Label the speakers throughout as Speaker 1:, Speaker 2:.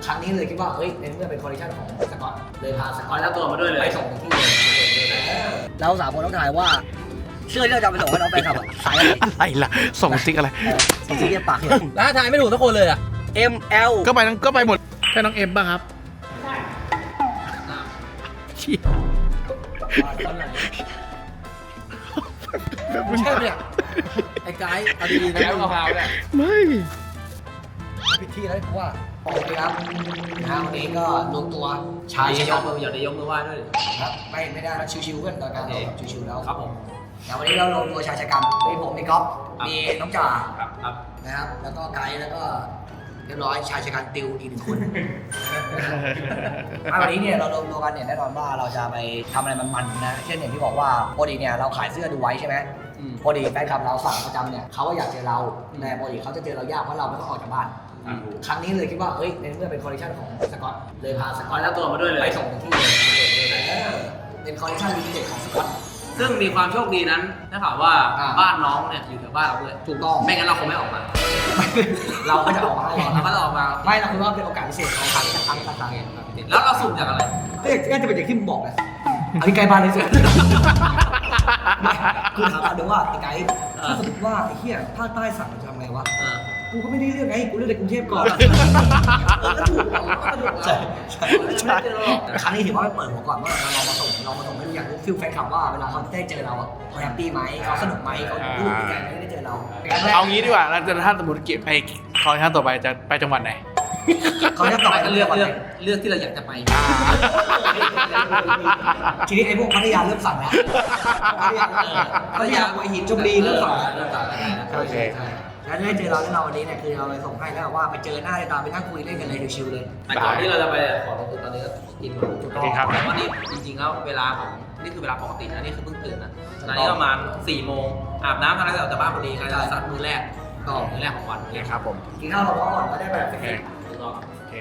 Speaker 1: ครั้งนี้เลยคิดว่าเอ้ยในเมื่อเป็นคอลเลคชันของสกอตเลยพาสกอต
Speaker 2: แล้วตัวมาด้วยเลย
Speaker 1: ไปส่งที่เลยเรา3 คนต้องถ่ายว่าเสื้อที่เราจะไปส่งให้น้องไปขับสายอะไร
Speaker 3: อะไรล่ะส่งสติ๊กอะไร
Speaker 1: ส่งสีเรียบปากเลย
Speaker 2: แล้วถ่ายไม่ถูกทุกคนเลยอ่ะ
Speaker 1: ML
Speaker 3: ก็ไปหมดแค่น้องเอ็มป่ะครับเชี่ย
Speaker 2: ไม่ใช่เนี่ยไอ้ไกด์เอาดีๆนะมะพร้าวเนี่ย
Speaker 3: ไม่
Speaker 1: พิธีแล้วเพราะว่าโอเคครับวันนี้ก็รวมตัวชาย
Speaker 2: อย่า
Speaker 1: ชะ
Speaker 2: ย
Speaker 1: กั
Speaker 2: ก
Speaker 1: น
Speaker 2: มืออย่าได้ยกมือไหว้ด้วย
Speaker 1: ครับไม่ได้แล้วชิวๆกันตอนการเราชิวๆแล้ว
Speaker 2: ครับผม
Speaker 1: แต่วันนี้เรารวมตัวชายชะกันมีผมมีก๊อฟมีน้องจ่า
Speaker 2: ครับ
Speaker 1: นะครับแล้วก็ไกด์แล้วก็เรียบร้อยชายชะกันติวอีก1 คนวันนี้เนี่ยเรารวมตัวกันเนี่ยแน่นอนว่าเราจะไปทำอะไรมันๆนะเช่นอย่างที่บอกว่าปกติเนี่ยเราขายเสื้อดูไว้ใช่ไหมปกติแฟนคลับเราสั่งประจำเนี่ยเขาก็อยากเจอเราแต่ปกติเขาจะเจอเรายากเพราะเราไม่ต้องออกจากบ้านครั้งนี้เลยคิดว่าเอ้ยในเมื่อเป็นคอลเลคชันของสกอตเลยพาสกอต
Speaker 2: แล้วตัวมาด้วยเลย
Speaker 1: ไปส่งที่เลยเป็นคอลเลคชันลิมิเต็ดของสกอต
Speaker 2: ซึ่งมีความโชคดีนั้นถ้าถามว่าบ้านน้องเนี่ยอยู่แถวบ้านเราด้วย
Speaker 1: ถูกต้อง
Speaker 2: ไม่งั้นเราคงไม่ออกมา
Speaker 1: เราก็จะออกมาให้
Speaker 2: เราก็จะออกมา
Speaker 1: ไม่เราคิดว่าเป็นโอกาสพิเศษของครั้งสักครั้ง
Speaker 2: แล้วเราสุ่มจากอะไร
Speaker 1: ก็จะเป็นอย่างที่มึงบอกไงอันนี้ไกลบ้านเลยสิคือถามกันดูว่าไอ้ไกด์ถ้าสมมติว่าไอ้เหี้ยภาคใต้สั่งจะทำไงวะกูก็ไม่ได้เลือกไงกูเลือกในกรุงเทพก่อนก็ถูกใช่ครั้งนี้ถือว่าไปเปิดหัวก่อนว่าเรามาส่งให้ดูอย่างฟิลแฟนคลับว่าเวลาเขาได้เจอเราเขาแฮปปี้ไหมเขาสนุกไหมเขารู้สึกยังไงไม่ได้เจอเรา
Speaker 3: เอางี้ดีกว่าแล้วถ้าสมมติเก็บไปคอลเลคชันต่อไปจะไปจังหวัดไหน
Speaker 1: เขาจะต่อไป
Speaker 2: ก็เลือกที่เราอยากจะไป
Speaker 1: ทีนี้ไอ้พวกพัทยาเริ่มสั่งแล้วพัทยาหัวหินชลบุรีเริ่มสั่งแล้ว
Speaker 3: โอเค
Speaker 1: แล้วได้เจอเราแน่นอนวันนี้เนี่ยคือเราไปส่งให้แล้วว่าไปเจอหน้าเลยตาไปนั่งคุยเล่นกันเลยชิวๆเลย
Speaker 2: แต่ก่อนที่เราจะไปขอลงทุนตอนนี้ก็กินก่อน
Speaker 3: โอเคครับ
Speaker 2: แต่ว่านี่จริงๆแล้วเวลาของนี่คือเวลาปกตินะนี่คือเพิ่งตื่นนะตอนนี้ประมาณ4 โมงอาบน้ำทำอะไรเสร็จออกจากบ้านพอดีใครจะสัตว์มื้อแรกก็มื้อแรกของวัน
Speaker 3: โอเคครับผม
Speaker 1: กินข้าวเราก่อนก็ได้แบบ
Speaker 3: โอเค
Speaker 2: ก็
Speaker 3: โอเค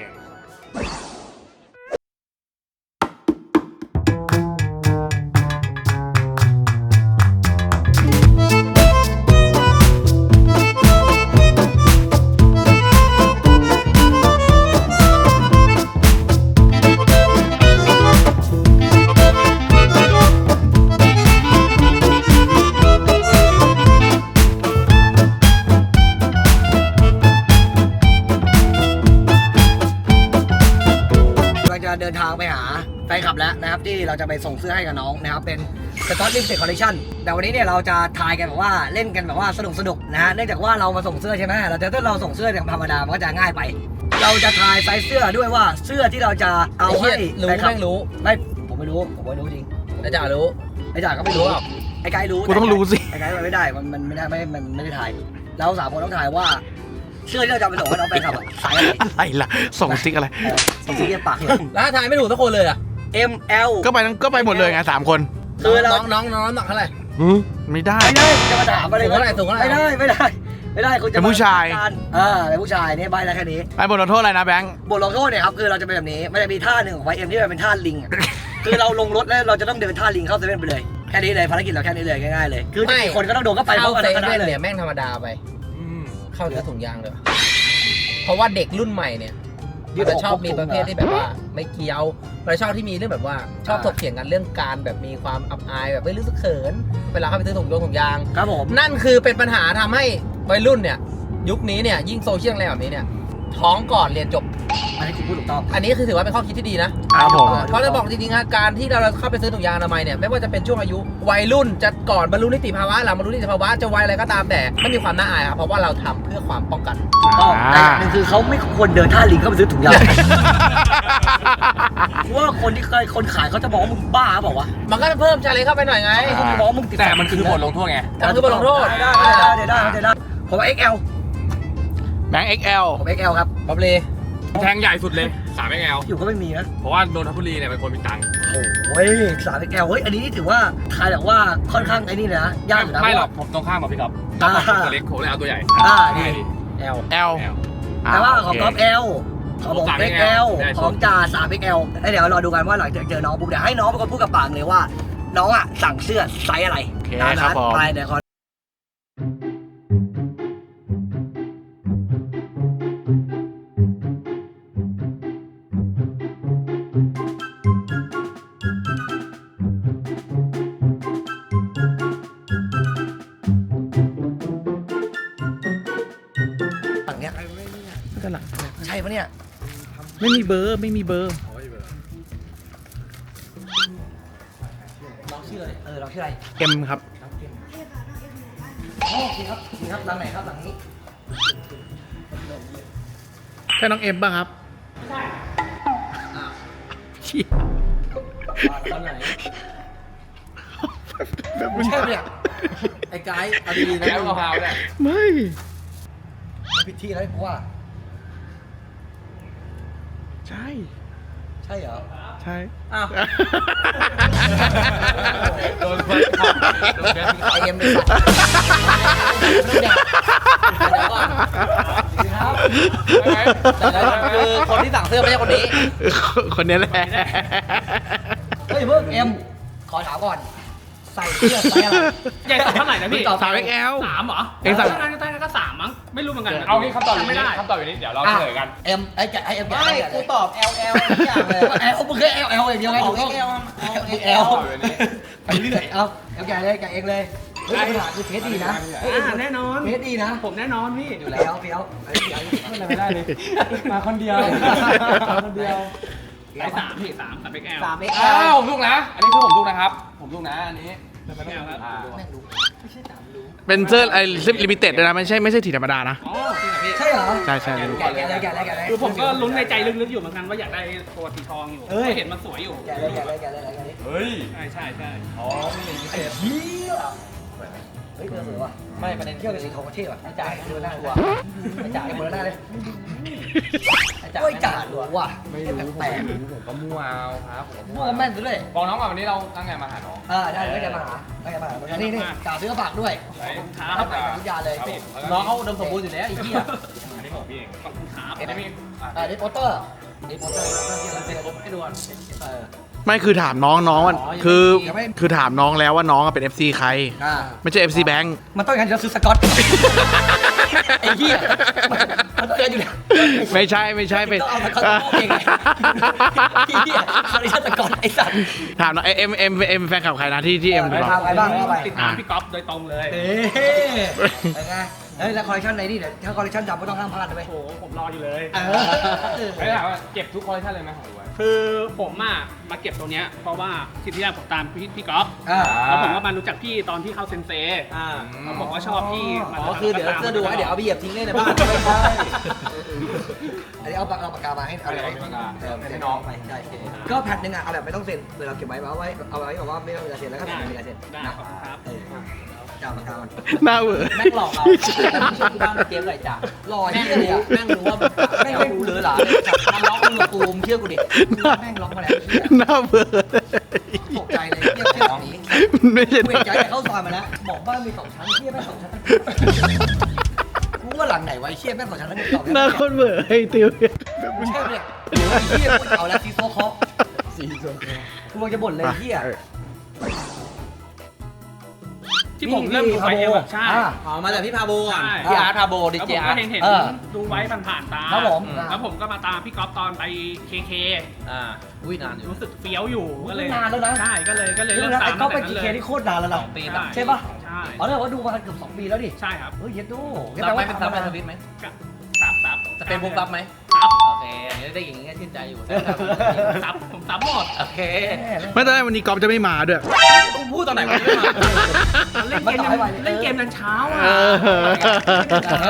Speaker 1: เราจะเดินทางไปหาแฟนคลับแล้วนะครับที่เราจะไปส่งเสื้อให้กับน้องนะครับเป็นสต็อตลิมเต็ดคอลเลคชันแต่วันนี้เนี่ยเราจะทายกันแบบว่าเล่นกันแบบว่าสนุกนะฮะเนื่องจากว่าเรามาส่งเสื้อใช่ไหมถ้าเราส่งเสื้ออย่างธรรมดามันก็จะง่ายไป เราจะทายไซส์เสื้อด้วยว่าเสื้อที่เราจะเอาให้
Speaker 2: รู้
Speaker 1: แฟนคลับ
Speaker 2: แม่งรู้
Speaker 1: ไม่ผมไม่รู้จริง
Speaker 2: แล้วจ่ารู้
Speaker 1: ไอ้จ่าก็ไม่รู้ไอ้ไกด์รู้
Speaker 3: กูต้องรู้สิ
Speaker 1: ไอ้ไกด์มันไม่ได้มันไม่ได้ไม่ได้ถ่ายเรา3 คนต้องถ่ายว่าเสื้อที่เราจะไปส่งให้น้องแฟนคลับสายอะไร
Speaker 3: อะไรล่ะส่งสติ๊กอะไร
Speaker 1: ส่งสีเรียบปากเลย
Speaker 2: แล้วถ่ายไม่ถูกทุกคนเลยอ่ะ
Speaker 1: ML
Speaker 3: ก็ไปหมดเลยไง3 คน
Speaker 1: คือเรา
Speaker 2: น้องน้ำหนักเท่าไหร่
Speaker 3: ไม่ได้
Speaker 1: ไม่ได้จะมาถามอะไร
Speaker 2: สูงเท่าไหร่สูงเท่าไหร่
Speaker 1: ไม่ได้คุณจะ
Speaker 3: เป็นผู้ชาย
Speaker 1: เป็นผู้ชายนี่ใบแล้วแค่นี้
Speaker 3: ไอ้บทลงโทษอะไรนะแบงค์
Speaker 1: บทลงโทษเนี่ยครับคือเราจะเป็นแบบนี้มันจะมีท่าหนึ่งของไวเอ็มที่มันเป็นท่าลิงอะคือเราลงรถแล้วเราจะต้องเดินท่าลิงเข้าเซเว่นไปเลยแค่นี้เลยภารกิจเราแค่นี้เลยง่ายๆเลยคือกี่คนก็ต้องโดนก็ไปเพ
Speaker 2: เข้า
Speaker 1: ราะกัน
Speaker 2: เซ
Speaker 1: ก็ได้
Speaker 2: เว่น
Speaker 1: เลย
Speaker 2: เนี่ยแม่งธรรมดาไปเข้าเนื้อถุงยางเลยเพราะว่าเด็กรุ่นใหม่เนี่ยมันจะชอบมีประเภทที่แบบว่าไม่เกี่ยวมันชอบที่มีเรื่องแบบว่าชอบถกเถียงกันเรื่องการแบบมีความอับอายแบบไม่รู้สึกเขินเวลาเข้าไปซื้อถุงยาง
Speaker 1: ครับผม
Speaker 2: นั่นคือเป็นปัญหาทำให้วัยรุ่นเนี่ยยุคนี้เนี่ยยิ่งโซเชียลอะไรแบบนี้เนี่ยท้องก่อนเรียนจบ
Speaker 1: อันนี้คุณพูดถูกต้อง
Speaker 2: อันนี้คือถือว่าเป็นข้อคิดที่ดีนะครับ
Speaker 3: ผม
Speaker 2: เพราะจะบอกจริงๆนะการที่เราเข้าไปซื้อถุงยางอนามัยเนี่ยไม่ว่าจะเป็นช่วงอายุวัยรุ่นจะก่อนบรรลุนิติภาวะหลังบรรลุนิติภาวะจะวัยอะไรก็ตามแต่ไม่มีความน่าอายครับเพราะว่าเราทำเพื่อความป้องกัน
Speaker 1: ถูกต้องแต่อย่างหนึ่งคือเขาไม่ควรเดินท่าลิงเข้าไปซื้อถุงยางว่าคนขายเขาจะบอกว่ามึงบ้าเปล่าวะ
Speaker 2: มันก็จะเพิ่มชาเลนจ์เข้าไปหน่อยไง
Speaker 1: เขาจะบอกว่ามึงติด
Speaker 4: แต่มันคือบทลงโทษไง
Speaker 2: แต่มันคือบทลงโทษ
Speaker 1: ได้ผมว่า XL
Speaker 3: แบงค์ XL
Speaker 1: ผม XL ครับ
Speaker 2: บับเล
Speaker 4: แทงใหญ่สุดเลย3 XL
Speaker 1: อยู่ก็ไม่มีนะ
Speaker 4: เพราะว่านนทบุรีเนี่ยเป็นคนมีตังค์
Speaker 1: โอ้ย3 XL เฮ้ยอันนี้ถือว่าทายแบบว่าค่อนข้างไอ้นี่นะยากอยู่นะ
Speaker 4: ไม่หรอกผมตรงข้ามกับพี่ก๊อฟก๊อฟบอกผมตัวเล็กผมเลยเอาตัวใหญ่
Speaker 1: นี่
Speaker 4: ง่ายดี
Speaker 2: L
Speaker 3: L
Speaker 1: แต่ว่าของก๊อฟ L ของผม
Speaker 4: 3
Speaker 1: XL
Speaker 4: ได้สุด
Speaker 1: ของจ่า3 XL แล้วเดี๋ยวรอดูกันว่าหลังจากเจอน้องปุ๊บเดี๋ยวให้น้องเป็นคนพูดกับปากเลยว่า น้องอ่ะสั่งเสื้อไซส์อะไร
Speaker 3: โอเคครับผม
Speaker 1: ไปเดี๋ยวขอ
Speaker 3: ไม่มีเบอร์
Speaker 2: น้องชื่ออะไร
Speaker 1: เราชื่ออะไร
Speaker 3: เอ็มครับ
Speaker 1: อ๋อโอเคครับโอเคครับหลังไหนครับหลังนี้
Speaker 3: ใช่น้องเอ็มป่ะครับใช่
Speaker 2: ตอนไหนไม่ใช่เนี่ยไอ้ไกด์เอาดีๆนะ
Speaker 4: แล้วมะพร้าวเนี่ย
Speaker 3: ไม่
Speaker 1: พิธีอะไรกูว่า
Speaker 3: ใช่
Speaker 1: ใช่เหรอ
Speaker 3: ใช่
Speaker 2: อ้าว
Speaker 4: โดนเพื่อนโดนแก
Speaker 2: ไอเอ็มเลยสัตว์เรื่องแดกเดี๋ยวก่อนครับแต่แล้วคือคนที่สั่งเสื้อไม่ใช่คนนี้
Speaker 3: คนนี้แหละ
Speaker 1: เฮ้ยเพิ่งเอ็มขอถามก่อนใส่เสื้อไซส์อะไร
Speaker 5: ใหญ่สุดเท่าไหร่นะพี่
Speaker 3: 3 XL
Speaker 5: 3เหรอ
Speaker 3: เองสั่ง
Speaker 5: ถ้างั้นก็3มั้ง ไม่รู้เหมือนกัน
Speaker 4: เอางี้คำตอบอยู่
Speaker 5: ไม่
Speaker 4: นี่
Speaker 5: ได้
Speaker 4: คำตอบอยู่นี่เดี๋ยวเราเฉลยกัน
Speaker 1: เอ็มไอ้แกไอ้เอ็มแก
Speaker 2: ไม่กูตอบ LL ทุกอย่างเลย
Speaker 1: เอลมึงแค่เอลอย่างเดียวไง
Speaker 2: ตอ
Speaker 1: ถู
Speaker 2: บ
Speaker 1: กต้อง
Speaker 2: XL
Speaker 1: เอล
Speaker 4: ตอบอยู่นี่
Speaker 1: ไปเรื่อยเอาแกเลยแกเองเลยเฮ้ยปัญหาคือเทสดีนะ
Speaker 5: แน่นอน
Speaker 1: เทสดีนะ
Speaker 5: ผมแน่นอนพี่
Speaker 1: อยู่แล้วเฟี้ยวไอ้เฟี้ยว
Speaker 5: ไม่ได้เลย มาคนเดียว มาคนเดียวไอ้3พี่3ไปแก้ว
Speaker 2: 3
Speaker 4: อ้า
Speaker 2: XL
Speaker 4: วผมถูกนะ อันนี้คือผมถูกนะครับ ผมถูกนะอันนี้
Speaker 5: ไปแก้วครับ
Speaker 4: อ่า
Speaker 1: แม่งดูไม่ใช่ตามดู
Speaker 3: เป็นเสื้อไอ้ซิปลิมิเต็ดด้วยนะไม่ใช่ถีธรรมดานะ
Speaker 5: อ๋อจริงเหรอพี่
Speaker 1: ใช่เหรอ
Speaker 3: ใช่ใช่
Speaker 1: แกเลยแกเลยแกเลย
Speaker 5: คือผมก็ลุ้นในใจลึกๆอยู่เหมือนกันว่าอยากได้ตัวสีทองอยู่เพราะเห็นมันสวยอยู่
Speaker 1: แกเลยแกเลยแกเลยแกเลย
Speaker 4: เฮ้ย
Speaker 5: ใช่ใช่ใช่
Speaker 4: อ๋อนี่พิเศษ
Speaker 1: เฮียเฮ้ยเธอสวยว่ะ
Speaker 2: ไม่ประเด็น
Speaker 1: เที่ยวกับสีทองประเทศว่ะ
Speaker 2: ไอ้จ่ายดูหน้าตัวไอ้จ่าย
Speaker 1: เหมือนหน้าเลย
Speaker 2: ไอ้จ่าย
Speaker 1: โอ้ยจ่าหนูว่ะ
Speaker 4: ไม่รู้
Speaker 1: แปลก
Speaker 4: ผมก็มั่วเอาครับผม
Speaker 1: มั่วแม่นซะด้วย
Speaker 4: บอกน้องก่อนวันนี้เราตั้งใจมาหาน้อง
Speaker 1: ได้แล้วแกมาหาแล้วแกมาหานี่นี่จ่าซื้อกระฝากด้วย
Speaker 4: ไว้
Speaker 1: เข้าไปกับทุกยาเลย
Speaker 4: ครับผม
Speaker 2: น้องเขาอุดมสมบูรณ์อยู่แล้วไอ้เหี้ย
Speaker 4: อันนี้ของพี่เอง
Speaker 5: ขอบคุณครับ
Speaker 4: อันนี้มีอ่ะ
Speaker 1: นี่โปสเตอร์นี่โปสเตอร์
Speaker 2: ให้ดูก่อน
Speaker 3: ไม่คือถามน้องมันคือถามน้องแล้วว่าน้องอะเป็น FC ใคร ไม่ใช่ FC แบงค์
Speaker 1: มันต้องอย่างนั้นจะซื้อสกอตไอ้เหี้ยมันต้องเกินอยู่แล้ว
Speaker 3: ไม่ใช่เป็น
Speaker 1: ต้องเอาสกอตโต้เองไงไอ้เหี้ยคาริชันสกอตไอ้สัตว์
Speaker 3: ถามน้องเอ็มแฟนคลับใครนะที่เอ็ม
Speaker 1: ไป
Speaker 3: บอก
Speaker 1: ทำอะไรบ้างว่าไป
Speaker 5: ติดตามพี่ก๊อฟโดยตรงเลย
Speaker 1: เอ๊ะเป็นไงเฮ้ยแล้วคอลเลคชันไหนนี่เดี๋ยวถ้าคอลเลคชันดำก็ต้องห้ามพลาดนะเว้ย
Speaker 5: โอ้โหผมรออยู่เลย
Speaker 4: ไม่ถามว่าเก็บทุกคอลเลคชันเลยไหมของดูไว้
Speaker 5: คือผมมาเก็บตรงเนี้ยเพราะว่าที่แรกผมตามพี่ก๊อฟ
Speaker 1: อ่า
Speaker 5: แล้วผมก็มารู้จักพี่ตอนที่เข้าเซนเซ เขาบอกว่าชอบพี่
Speaker 2: อ๋อคือเดี๋ยวเสื้อดูไว้เดี๋ยวเอาไปเหยียบทิ้งเลยในบ้าน
Speaker 1: ไม่ใช่อันนี้เอาปากกามาให้เอาอะไร
Speaker 4: ให้น้อง
Speaker 1: ไปใช่ก็แพทหนึ่งอ่ะเอาแบบไม่ต้องเซ็นเวลาเก็บไว้เอาไว้แบบว่าไม่ต้องเวลาเซ็นแล้วก็
Speaker 5: ได้
Speaker 1: ไม่เวลาเซ็น
Speaker 5: ได้ขอบคุณครับ
Speaker 1: จ่าปากกามัน
Speaker 3: หน้าเวอร์
Speaker 2: แม่งหลอกเราแล้วไม่ใช่ที่บ้านเกมไรจ่า
Speaker 1: หล่อ
Speaker 2: แม่
Speaker 1: เหี้
Speaker 2: ง
Speaker 1: ยเลย
Speaker 2: รู้
Speaker 1: อ่ะ
Speaker 2: แม่งรู้ว่าแม่งรู้หรือหลามันล็อกมึงกับกูมึงเชื่อกูดิ
Speaker 1: แม่งล็อกมาแล้วเหี้ย
Speaker 3: หน้าเวอร์
Speaker 1: ตกใจเลยเหี้ยเชื่อแบบนี้
Speaker 3: ไม่ใช่
Speaker 1: กูเห็นใจแต่เข้าซอยมาแล้วบอกบ้านมี2 ชั้นเหี้ยแม่ง2 ชั้นกูว่าหลังไหนวะไอ้เหี้ยแม่ง2 ชั้นแล้วมี2
Speaker 3: หน้าคนเวอร์ไอ้ติว
Speaker 1: ไม่ใช่เนี่ยไอ้เหี้ยกูเอาแล้วซีโซคอกูกำลังจะบ่นเลยเหี้ย
Speaker 5: ที่ผมเริ่มดูไฟเอลใช่
Speaker 2: อ๋อมาจากพี่พาโบก่อน
Speaker 5: ใช่
Speaker 2: พี่อาร์ตพาโบดี
Speaker 5: แล้ว
Speaker 2: เจ
Speaker 5: ผม
Speaker 2: อา
Speaker 5: ก็
Speaker 2: ร์ต
Speaker 5: เห็นดูไว้ผ่านๆตา
Speaker 1: ครับผม
Speaker 5: แล้วผมก็มาตามพี่ก๊อฟตอนไปเค
Speaker 2: อุ้ยนานอยู่
Speaker 5: รู้สึกเฟี้ยวอยู่ก็เลย
Speaker 1: นานแล้วนะ
Speaker 5: ใช่ก็เลย
Speaker 1: เรื่
Speaker 5: เริ่
Speaker 1: อง
Speaker 5: ม
Speaker 1: นั้น
Speaker 5: ตา
Speaker 1: ไอ้
Speaker 5: ม
Speaker 1: ก็
Speaker 5: ตั้ง
Speaker 1: ไป
Speaker 5: แต่
Speaker 1: กี่
Speaker 5: นั้น
Speaker 1: เค
Speaker 5: เลย
Speaker 1: ที่โคตรนานแล้วนะ
Speaker 2: ปี
Speaker 1: ใช่ปะ
Speaker 5: ใช่
Speaker 1: อ๋อเนี่ยว่าดูมาเกือบ2 ปีแล้วดิ
Speaker 5: ใช่ครับ
Speaker 1: เฮ้ยเย็ดดู
Speaker 2: รับไหมเป็นซับในทวิตไหม
Speaker 5: ซับ
Speaker 2: จะเป็นพวกซับไหม
Speaker 5: ซับ
Speaker 2: โอเคอันนี้ได้อย่างงี้ชื่นใจอยู่
Speaker 5: ซับผมซับหมด
Speaker 2: โอเค
Speaker 3: ไม่ตอนแรกวันนี้กอล์ฟจะไม่มาด้วย
Speaker 2: กูพูดตอนไหนวะไม่มา
Speaker 5: เล่นเกมยันเช้าอ่ะ
Speaker 2: แล้ว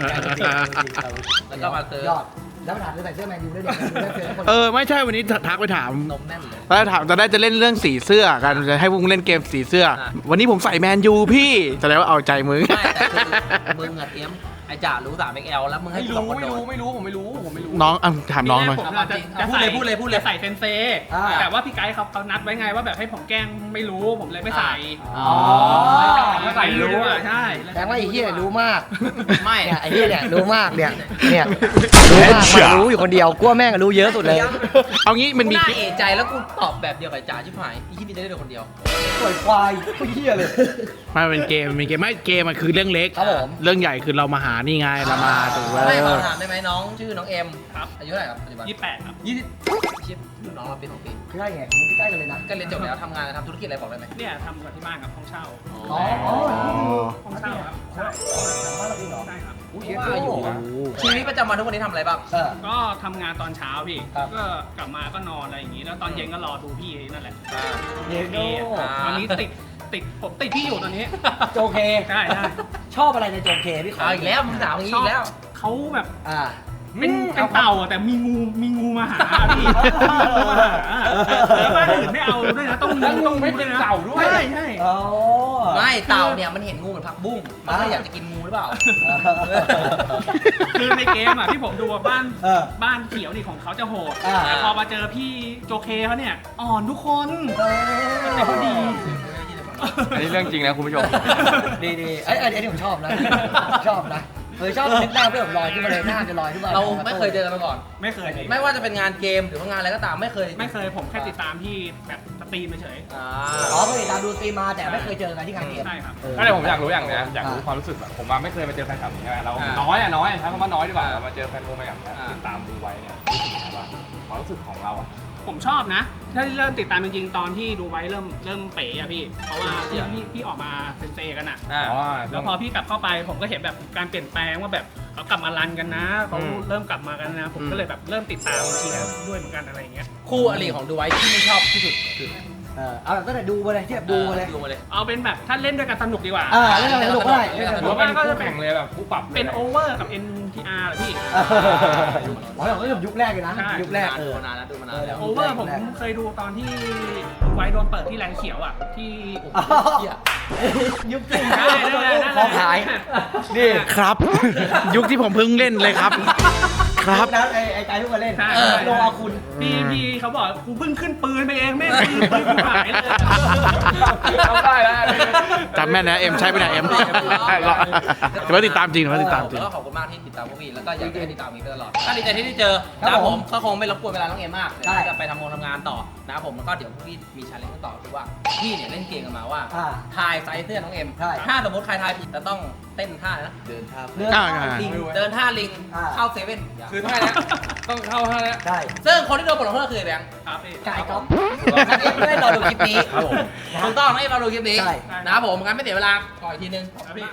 Speaker 2: ก็มาเจอย
Speaker 1: อดแล้วมาถามจะใส่เสื้อแมนยูได้เด็กได้เสื้อคน
Speaker 3: ไม่ใช่วันนี้ทักไปถาม
Speaker 2: นมแน่นเลย
Speaker 3: แล้วถามตอนแรกจะเล่นเรื่องสีเสื้อกันจะให้พวกมึงเล่นเกมสีเสื้อ วันนี้ผมใส่แมนยูพี่แสดงว่าเอาใจมึง
Speaker 2: ไม่แต่คือมึงอะเตรียมไอ้จ่ารู้3XL แล้วมึงให้
Speaker 4: ไม่
Speaker 2: กู
Speaker 4: รู้
Speaker 2: สองคน
Speaker 4: ไม่
Speaker 2: โด
Speaker 4: รู้
Speaker 2: น
Speaker 4: ไม่รู้ผมไม่รู้ผมไม่รู้
Speaker 3: น้องถามน้องหน่อย
Speaker 5: ผมจะใส่เซนเซแต่ว่าพี่ไกด์เขานัดไว้ไงว่าแบบให้ผมแกล้งไม่รู้ผมเลยไม่ใส่
Speaker 2: อ๋อ
Speaker 5: ไม่ใส่รู้อ่ะใช่
Speaker 1: แต่ว่าไอ้เหี้ยรู้มาก
Speaker 2: ไม่
Speaker 1: เนี่ยไอ้เหี้ยเนี่ยรู้มากเนี่ยรู้มากมันรู้อยู่คนเดียวกลัวแม่งรู้เยอะสุดเลย
Speaker 3: เอางี้มัน
Speaker 2: กู
Speaker 3: มี
Speaker 2: น่าเอะใจแล้วกูตอบแบบเดียวกับจ่าชิบหายอีที่มีได้เดียวคนเดียว
Speaker 1: ปล่อยควายเหี้ยเลย
Speaker 3: ไม่เป็นเกมไม่เกมมันคือเรื่องเล็ก
Speaker 1: ครับผม
Speaker 3: เรื่องใหญ่คือเรามาหานี่ไงละมาถูก
Speaker 2: ไม่ขอ
Speaker 3: แล้ว
Speaker 2: ถามได้ไหมน้องชื่อน้องเอ็ม
Speaker 5: ครับ
Speaker 2: อายุเท่าไหร่ครับปัจจุบัน
Speaker 5: 28 ครับ
Speaker 2: ชิปรุ่นน้องเราปี2 ปี
Speaker 1: ใกล้ไงมึงใกล้กันเลยนะ
Speaker 2: ก็เรียนจบแล้วทำงานทำธุรกิจอะไรบอกได้ไหม
Speaker 5: เนี่ยทำกับที่บ้านครับห้องเช่า
Speaker 1: อ๋ออ๋อ
Speaker 5: ห้องเช่าครับใช่
Speaker 1: บ้านเราเองเหรอ
Speaker 5: ใช่ครับ
Speaker 2: ว่าอยู่นะชีวิตประจำวันทุกวันนี้ทำอะไรบ้าง
Speaker 5: ก็ทำงานตอนเช้าพี่
Speaker 2: ครับ
Speaker 5: ก็กลับมาก็นอนอะไรอย่างงี้ แล้วตอนเย็นก็รอดูพี่นั่นแหละ
Speaker 1: เย็นโด
Speaker 5: ตอนนี้ผมติดพี่อยู่ตอนนี้
Speaker 1: โจเค
Speaker 5: ใช่ใช่
Speaker 1: ชอบอะไรในโจเคพี่ขอ
Speaker 2: เอาอีกแล้วมึงถามอย่างนี้อีกแล้ว
Speaker 5: เขาแบบ
Speaker 1: อ่า
Speaker 5: เป็นเต่าอะแต่มีงูมาหาพี่งูมาหาแล้วบ้านอื่นไม่เอาด้วยนะต้องไม่เป็นเต่าด้วยใช่ใช่
Speaker 1: อ๋อ
Speaker 2: ไม่เต่าเนี่ยมันเห็นงูเหมือนผักบุ้งมันก็เลยอยากจะกินงูหรือเปล่า
Speaker 5: คือในเกมอ่ะที่ผมดูอะบ้าน
Speaker 1: เออ
Speaker 5: บ้านเขียวนี่ของเขาจะโหด
Speaker 1: อ่า
Speaker 5: แต่พอมาเจอพี่โจเคเขาเนี่ยอ่อนทุกคน แต่เขาดี
Speaker 4: อันนี้เรื่องจริงนะคุณผู้ชม
Speaker 1: ดีดีไอ้ยอันนี้ผมชอบนะ ชอบนะชอบนึกหน้าเพื่อนผมลอยขึ้นมาเลยหน้าจะลอยขึ้นมา
Speaker 2: เราไม่เคยเจอกันมาก่อน
Speaker 5: ไม่เคย
Speaker 2: ไม่ว่าจะเป็นงานเกมหรือว่างานอะไรก็ตามไม่เคย
Speaker 5: ไม่เคยผมแค่ติดตามพี่แบบสตรีมเฉย
Speaker 2: อ่า
Speaker 1: อ๋อเคยติดตามดูสตรีมมาแต่ไม่เคยเจอกันที่งานเกม
Speaker 5: ใช่ครับ
Speaker 4: ก็เลยผมอยากรู้อย่างนะอยากรู้ความรู้สึกแบบผมว่าไม่เคยมาเจอแฟนคลับอย่างนี้ใช่ไหมเราน้อยใช้คำว่าน้อยดีกว่าเรามาเจอแฟนวงแบบนี้ติดตามดูไว้เนี่ยรู้สึกยังไงบ้างความรู้สึกของเราอ่ะ
Speaker 5: ผมชอบนะ ถ้าเริ่มติดตามจริงๆ ตอนที่ดูไว้เริ่มเป๋อะพี่ เพราะว่าพี่ออกมาเซนเซกันอะ
Speaker 4: อ๋อ
Speaker 5: แล้วพอพี่กลับเข้าไปผมก็เห็นแบบการเปลี่ยนแปลงว่าแบบเขากลับมารันกันนะเขาเริ่มกลับมากันนะ ผมก็เลยแบบเริ่มติดตามเชียร์ด้วยเหมือนกันอะไรอย่างเงี้ย
Speaker 2: คู่อริของดูไว้ที่ไม่ชอบที่สุดคือ
Speaker 1: เอาแบบตั้งแต่ดูมาเลยที่แบบดูมาเลย
Speaker 2: ดูมาเลย
Speaker 5: เอาเป็นแบบถ้าเล่นด้วยกันสนุกดีกว่า
Speaker 1: เล่นอะไรสนุกก็ได้เล่นอะไรส
Speaker 4: ห
Speaker 1: นุ
Speaker 4: รื
Speaker 1: ก
Speaker 4: อว่าก็จะแข่งเลยแบบผู้ปรับ
Speaker 5: เป็นโอเวอร์กับ NTR เหรอพี่
Speaker 1: อ๋อเราก็แบบยุคแรกเลยนะ
Speaker 5: ใช่
Speaker 1: ยุคแรก
Speaker 2: ดูมานานแล้วดูมานานแล้ว
Speaker 5: โอเวอร์ผมเคยดูตอนที่ดูไว้โดนเปิดที่แลนเขียวอะที่
Speaker 1: ยุคจริง
Speaker 5: ได้ได้ได้
Speaker 1: ของขาย นี่
Speaker 3: ครับ ยุคที่ผมเพิ่งเล่นเลยครับ ครับ
Speaker 1: นั้นไอ้ใจทุกคนเล่น
Speaker 5: ใช่
Speaker 1: ลงเอาคุณ
Speaker 5: พี่เขาบอกกูเพิ่งขึ้นปืนไปเองแม่งปืนกูหายเลย
Speaker 4: เอาได้แล้ว
Speaker 3: จำแม่นนะเอ็มใช่ไหมนะเอ็มแต่ว่าติดตามจริงนะติดตามจริง
Speaker 2: แล้วก็ขอบคุณมากที่ติดตามพวกพี่แล้วก็อยากให้ติดตามพี่ไปตลอดก็ดีใจที่ได้เจอนะครับผมก็คงไม่รบกวนเวลาน้องเอ็มมากเดี๋ยวจะไปทำงานต่อนะครับผมแล้วก็เดี๋ยวพี่มีชาเลนจ์ต่อคือว่าพี่เนี่ยเล่นเกมกันมาว่าทายไซส์เสื้อน้องเอ็มถ้าสมมติใครทายผิดจะต้องเต้นท่านะเดินท่า
Speaker 1: เรื่องลิง
Speaker 2: เดินท่าลิงเข้าเซเว่น
Speaker 4: คือท่านี้ต้องเข้าท่านี้
Speaker 1: ได้
Speaker 2: ซึ่งคนที่โดนบทลงโทษคือแบงค์
Speaker 5: ครับพี่
Speaker 1: กายก๊อฟ
Speaker 2: เอ็มไม่ได้รอดูคลิปนี้
Speaker 4: ครับผม
Speaker 2: ถูกต้องนะเอ็มรอดูคลิปนี้
Speaker 1: ใช่
Speaker 2: นะครับผมงั้นไม่เสียเวลาขออีกทีนึง
Speaker 5: ครับพี่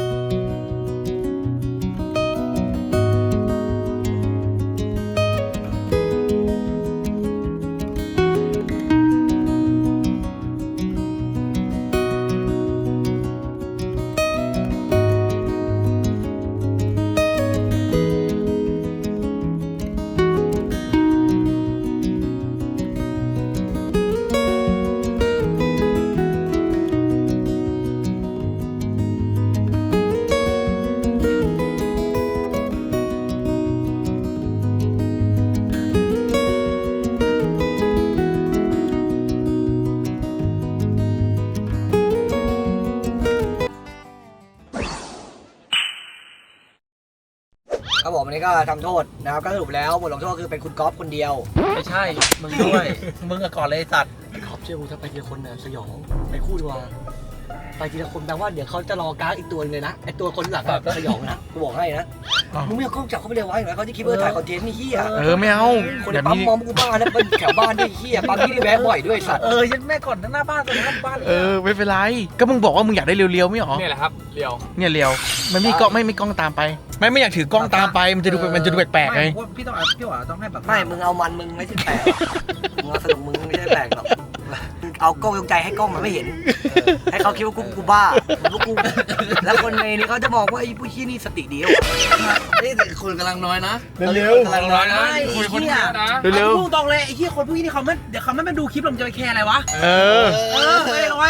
Speaker 1: ครับผมอันนี้ก็ทำโทษนะครับก็สรุปแล้วบทลงโทษคือเป็นคุณก๊อฟคนเดียว
Speaker 2: ไม่ใช่มึงด้วย มึงกับก่อนเลยสัตว์
Speaker 1: ไอ้ก๊อฟเชื่อกูถ้าไปทีละคนเนี่ยสยองไปคู่ดีกว่าไปทีละคนแปลว่าเดี๋ยวเขาจะรอการ์ดอีกตัวนึงเลยนะไอ้ตัวคนหลังแบบสยองนะกูบอกให้นะ
Speaker 3: อ้าว
Speaker 1: มึงไม่เอากล้องจับเขาไปเลยไว้เหรอเขาจะคิดว่าถ่ายคอนเทนต์นี่เฮีย
Speaker 3: ไม่เอา
Speaker 1: คน
Speaker 3: เดี๋ยว
Speaker 1: ปั๊ม
Speaker 3: มี
Speaker 1: มองกูบ้านะเป็นแถวบ้านด้วยเฮียปั๊มที่นี่แวะบ่อยด้วยสัตว์
Speaker 2: ยันแม่ก่อนหน้าบ้านตรงหน้าบ้าน
Speaker 3: ไม่เป็นไร ก็มึงบอกว่ามึงอยากได้เรียวๆไม่หรอ
Speaker 4: นี่แหละครับเรียว
Speaker 3: เนี่ยเรียวมันไม่กล้องไม่กล้องตามไป ไม่อยากถือกล้องตามไปมันจะดูแปลกๆไง
Speaker 2: พี่ต้องพี่หวาต้องให้แบบ
Speaker 1: ไม่มึงเอามันมึงไม่ใช่แปลกหรอกมึงเอาสนุกมึงไม่ใช่แปลกหรอกมึงเอากล้องยงใจให้กล้องมันไม่เห็นให้เขาคิดว่ากูบ้าว่ากูแล้วคนในนี้เขาจะบอกว่าไอ้ผู้ชี้นี่สติดีวะ
Speaker 2: นี่คุณกำลังน้อยนะ
Speaker 3: เร็ว
Speaker 2: กำลังน้อยนะ
Speaker 4: คุยคนเดียวนะ
Speaker 3: เร็ว
Speaker 2: พูดตรงเลยไอ้ที่คนพวกนี้นี่เขาไม่เดี๋ยวเขาไม่มาดูคลิปเราจะไปแคร์อะไรวะ
Speaker 3: เออ
Speaker 2: เฮ้ยเอาไว้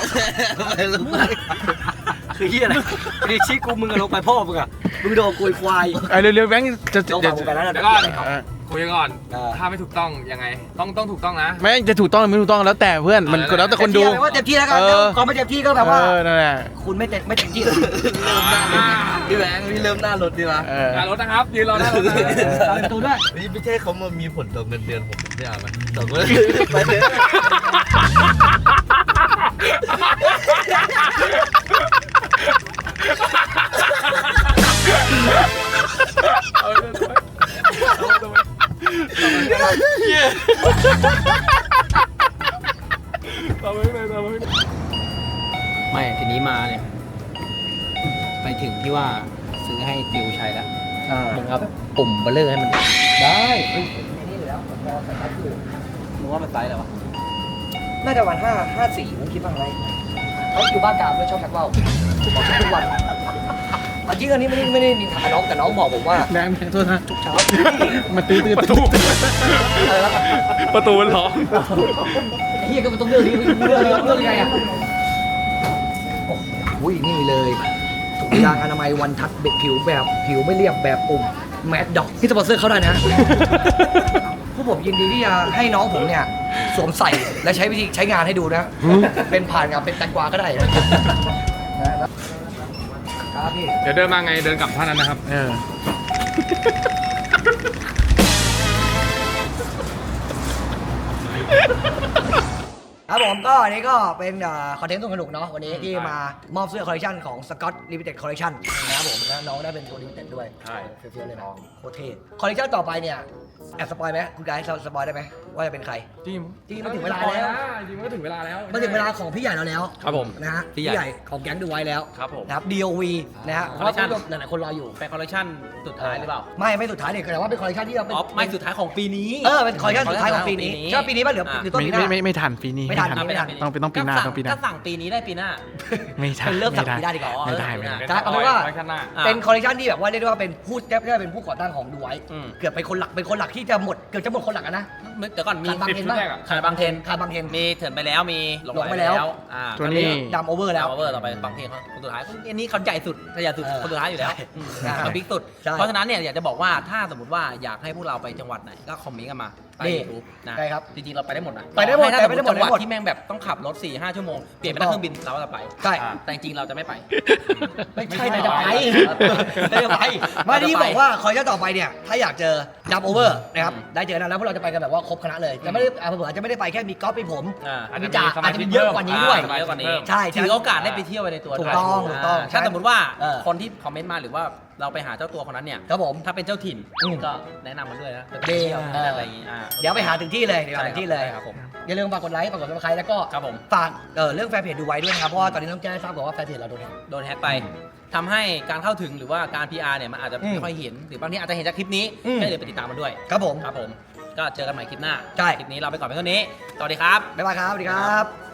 Speaker 1: คือเฮียอะไรคือชี้กูมึงอะลงไปพ่อมึงอะมึงโดนกุยควาย
Speaker 3: เร็วๆแบงค์จะ
Speaker 1: ลงฝั่งมึงไปแล้วนะ
Speaker 4: เดี๋ยวก่อน
Speaker 3: เออ
Speaker 4: คุยกันก่อนถ้าไม่ถูกต้องยังไงต้องถูกต้องนะ
Speaker 3: ไม่จะถูกต้องหรือไม่ถูกต้องแล้วแต่เพื่อนมันแล้วแต่คนดู
Speaker 1: ว่าเต็มที่แล้วกันก่อนไม่เต็มที่ก็แบบว่า
Speaker 3: นั่นแหละ
Speaker 1: คุณไม่เต็มที่เลย
Speaker 2: พี่แบงค์พี่เริ่มหน้ารถดีวะ
Speaker 4: หน้ารถนะครับยืนรอหน้ารถนะ
Speaker 1: ตามตัวด้วย
Speaker 6: นี่ไม่ใช่เขามามีผลต่อเงินเดือนผมไม่เอาไหมต่อเงินไปเลย
Speaker 4: เ
Speaker 2: ไม่ทีนี้มาเนี่ยไปถึงที่ว่าซื้อให้ติวใช้แล้วมึงเอาแบบปุ่มเบลเลอร์ให้มัน
Speaker 1: ได้เฮ้ยนี่อยู่แล้วผมพอใส่ตัดอยู่
Speaker 2: มึงว่ามันไซส์อะไรวะ
Speaker 1: น่าจะวัน554ผมคิดว่าไงเขาอยู่บ้านกลางด้วยชอบชักว่าวบอกทุกวันจริงอันนี้ไม่ได้นินทาน้องแต่น้องบอกผมว่า
Speaker 3: แรงโทษนะ
Speaker 1: ทุกเช้า
Speaker 3: มาตื้อ
Speaker 4: ประตู
Speaker 1: อะไรแล้ว
Speaker 4: ประตูมันล็อก
Speaker 1: ไอ้เฮียก็มันต้องเลือกนี้เลือกยังไงอ่ะโอ้โหนี่เลยถุงยางอนามัยวันทัดเบ็ดผิวแบบผิวไม่เรียบแบบปุ่มแมดด็อกที่สปอนเซอร์เขาได้นะพวกผมยินดีที่จะให้น้องผมเนี่ยสวมใส่และใช้วิธีใช้งานให้ดูนะ เป็นผ่านงานเป็นแตงกวาก็ได้นะครับพี่
Speaker 4: เดี๋ยวเดินมาไงเดินกลับท่านั้นนะครับ
Speaker 1: ครับผมก็อันนี้ก็เป็นคอนเทนต์สนุกๆเนาะวันนี้ที่มามอบเสื้อคอลเลคชันของ Scott Limited Collection นะครับผมแล้วน้องได้เป็นตัว Limited ด้วย
Speaker 4: ใช่
Speaker 1: เฟี้ยวๆเลยนะโคตรเท่คอลเลคชันต่อไปเนี่ยแอบสปอยไหมคุณไกด์สปอยได้ไหมว่าจะเป็นใคร
Speaker 4: จริง
Speaker 1: จริงมันถึงเวลาแล้ว
Speaker 4: จริงมันก็ถึงเวลาแล้ว
Speaker 1: มาถึงเวลาของพี่ใหญ่เราแล้ว
Speaker 4: ครับผม
Speaker 1: นะฮะ
Speaker 2: พี่
Speaker 1: พี่
Speaker 2: ใหญ่
Speaker 1: ใหญ่ของแก๊งดูไว้แล้ว
Speaker 4: ครับผม
Speaker 1: นะครับ DOV นะฮะเพราะว่า
Speaker 2: Collection
Speaker 1: หลายๆคนรออยู่
Speaker 2: เป็นคอลเลคชันสุดท้ายหรือเปล่า
Speaker 1: ไม่สุดท้ายเนี่ยแต่ว่าเป็นคอลเลคชันที่เราเป็น
Speaker 2: อ๋อไม่สุดท้ายของปีนี้
Speaker 1: เป็นคอลเลคชันสุดท้ายของปีนี้ใช่ปีนี้ป่ะหรือต้นปีหน้า
Speaker 3: ไม่ทันปีนี้
Speaker 1: ไม่ทัน
Speaker 3: ต้องปีหน้าต้องปีหน้า
Speaker 2: ก็สั่งปีนี้ได้ปีหน้า
Speaker 3: ไม่ทัน
Speaker 1: เป็นเริ่มจากปีหน้าดีกว่า
Speaker 3: ไม่ได้ไม่ได้
Speaker 1: ครับเอาเป็นว่า
Speaker 4: ไว้ข้างหน้า
Speaker 1: เป็นคอลเลคชันที่แบบว่าเรียกได้ว่าเป็นผู้เป็นผู้ก่อตั้งของดูไว้
Speaker 2: อืม
Speaker 1: เกือบเป็นคนหลักที่จะหมดเกือบจะหมดคนหลักอะนะ
Speaker 2: เดี๋ยวก่อนมี
Speaker 1: ขาดบางเทน
Speaker 4: ชุด
Speaker 1: บ้าง
Speaker 4: แรกอะ
Speaker 2: ขาดบางเทน
Speaker 1: ขาดบางเทน
Speaker 2: มีเถินไปแล้วมี
Speaker 1: หลงไปแล้ว
Speaker 3: ตัวนี้
Speaker 1: ดำโอเวอร์แล้ว
Speaker 2: โอเวอร์ต่อไปบางเทนเขาคนสุดท้ายอันนี้เขาใหญ่สุดใหญ่สุด คนสุดท้ายอยู่แล้ว
Speaker 1: ใช่
Speaker 2: เขาบิ๊กสุด
Speaker 1: ใช่
Speaker 2: เพราะฉะนั้นเนี่ยอยากจะบอกว่าถ้าสมมติว่าอยากให้พวกเราไปจังหวัดไหนก็คอมเมนต์กันมาใต้
Speaker 1: นี่
Speaker 2: ยูทูบนะ
Speaker 1: ได้ครับ
Speaker 2: จริงๆเราไปได้หมดนะ
Speaker 1: ไปได้หมด
Speaker 2: ถ้าสมม
Speaker 1: ไปได้
Speaker 2: ติ
Speaker 1: หมด
Speaker 2: จังหวัด
Speaker 1: ได้หมด
Speaker 2: ที่แม่งแบบต้องขับรถ 4-5 ชั่วโมงเปลี่ยนเป็นนั่งเครื่องบินเราก็จะไป
Speaker 1: ใช่
Speaker 2: แต่จริงๆเราจะไม่ไป
Speaker 1: ไม่ใช่
Speaker 2: ไม่
Speaker 1: นาย
Speaker 2: ใช่
Speaker 1: จะไป
Speaker 2: ไม่
Speaker 1: นายจะไป
Speaker 2: ไม่
Speaker 1: มาที่
Speaker 2: ไม่
Speaker 1: บอกว่าคอลเลคชันต่อไปเนี่ยถ้าอยากเจอดับโอเวอร์นะครับได้เจอกันแล้วพวกเราจะไปกันแบบว่าครบคณะเลยจะไม่ได้เผื่อจะไม่ได้ไปแค่มีก๊อฟมีผม
Speaker 2: อ่า
Speaker 1: มีจ่าอาจจะมีเยอะกว่านี้ด้วย
Speaker 2: เยอะกว่านี้
Speaker 1: ใช่
Speaker 2: ถือโอกาสได้ไปเที่ยวไปในตัว
Speaker 1: ถูกต้อง
Speaker 2: ด้วย
Speaker 1: ถูกต้อง
Speaker 2: ถ้าสมมติว่า
Speaker 1: เออ
Speaker 2: คนที่คอมเมนต์มาหรือว่าเราไปหาเจ้าตัวคนนั้นเนี่ย
Speaker 1: ครับผม
Speaker 2: ถ้าเป็นเจ้าถิ่น
Speaker 1: อืม
Speaker 2: ก็แนะนำมาด้วยนะ
Speaker 1: ดี
Speaker 2: อะไรอย่างงี้
Speaker 1: เดี๋ยวไปหาถึงที่เลยเดี๋ยวหาถึงที่เลย
Speaker 2: ใช่ครับผม
Speaker 1: อย่าลืมฝากกดไลค์ฝากกดซับสไครต์แล้วก็
Speaker 2: ครับผม
Speaker 1: ฝากเรื่องแฟนเพจดูไว้ด้วยนะครับเพราะว่าตอนนี้ต้องแจ้งให้ทราบก่อนว่าแฟนเพจเราโดนแฮ็ก
Speaker 2: โดนแฮ็กไปทำให้การเข้าถึงหรือว่าการ PR เนี่ยมันอาจจะ
Speaker 1: อืม
Speaker 2: ไม่ค่อยเห็นหรือบางทีอาจจะเห็นจากคลิปนี้
Speaker 1: อืม
Speaker 2: ก็เลยไปติดตามมันด้วย
Speaker 1: ครับผม
Speaker 2: ครับผมก็เจอกันใหม่คลิปหน้า
Speaker 1: ใช่
Speaker 2: คลิปนี้เราไปก่อนเพียงเท่านี้สวัสดีครับ
Speaker 1: บ๊ายบายครับสวัสดีครับ